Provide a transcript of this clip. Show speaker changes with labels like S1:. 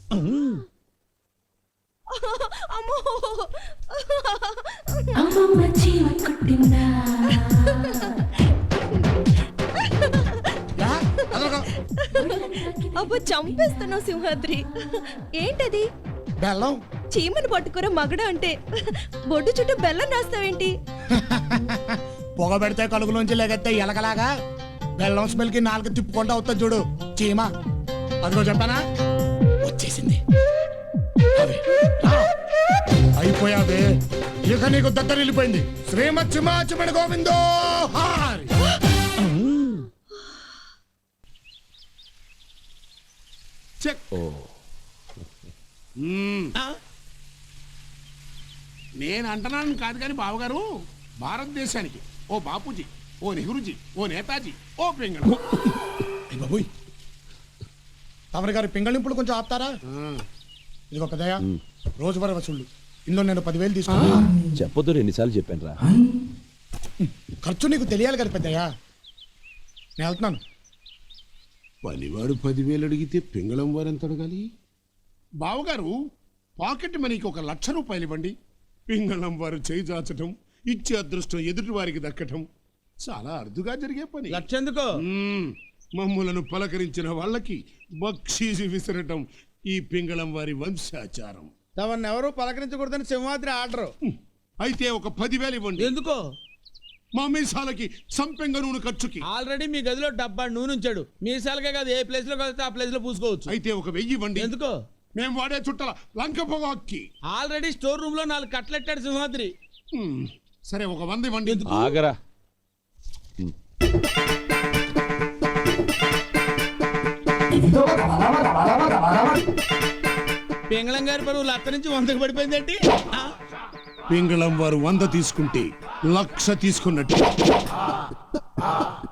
S1: అబ్బో చంపేస్తున్నావు సింహాద్రి. ఏంటది?
S2: బెల్లం.
S1: చీమను పట్టుకుర మగడ అంటే బొడ్డు చుట్టూ బెల్లం రాస్తావేంటి?
S2: పొగ పెడితే కలుగులోంచి లేగెత్తే ఎలకలాగా బెల్లం స్మెల్ కి నాలుగు తిప్పుకుంటా అవుతుంది చూడు చీమ. అదిగో చెప్పానా, వచ్చేసింది. అయిపోయావే, ఇక నీకు దగ్గర వెళ్ళిపోయింది. శ్రీమచ్చిమాచిమణి గోవిందో హారి.
S3: నేను అంటున్నాను కాదు కానీ బావగారు, భారతదేశానికి ఓ బాపూజీ, ఓ నెహ్రూజీ, ఓ నేతాజీ, ఓ పింగళ.
S2: బాబోయ్, తమరి గారి పింగళింపులు కొంచెం ఆపుతారా? ఇదిగో పెద్దయ్య, రోజువారీ వసూళ్ళు ఇందులో నేను 10,000 తీసుకున్నా.
S4: చెప్పొద్దు, ఎన్నిసార్లు చెప్పాను రా.
S2: ఖర్చు నీకు తెలియాలి కదా పెద్దయ్య. నేను వెళ్తున్నాను.
S3: పనివాడు 10,000 అడిగితే పింగళం వారు ఎంత అడగాలి? బావగారు, పాకెట్ మనీకి 1,00,000 రూపాయలు ఇవ్వండి. పింగళం వారు చేయి చాచటం, ఇచ్చే అదృష్టం ఎదుటి వారికి దక్కటం చాలా అరుదుగా జరిగే పని.
S5: లక్షెందుకో?
S3: మమ్ములను పలకరించిన వాళ్ళకి బక్షీసి విసరటం ఈ పింగళం వారి వంశాచారం.
S5: తమను ఎవరు పలకరించకూడదని సింహాద్రి ఆర్డర్.
S3: అయితే 10,000 ఇవ్వండి.
S5: ఎందుకో?
S3: మా మీసాలకి సంపెంగ నూనె ఖర్చుకి.
S5: ఆల్రెడీ మీ గదిలో డబ్బా నూనె ఉంచాడు. మీసాలకే కాదు, ఏ ప్లేస్ లో కలిస్తే ఆ ప్లేస్ లో పూసుకోవచ్చు.
S3: అయితే 1,000 ఇవ్వండి.
S5: ఎందుకో?
S3: మేము వాడే చుట్టల లంక పొగాక్కి.
S5: ఆల్రెడీ స్టోర్ రూమ్ లో 4 కట్లెట్టాడు సింహాద్రి.
S3: సరే, 100 ఇవ్వండి.
S4: ఆగరా.
S5: పింగళం గారి పరువు 1,00,000 నుంచి 100కి పడిపోయిందేంటి?
S3: పింగళం వారు 100 తీసుకుంటే 1,00,000 తీసుకున్నట్టు.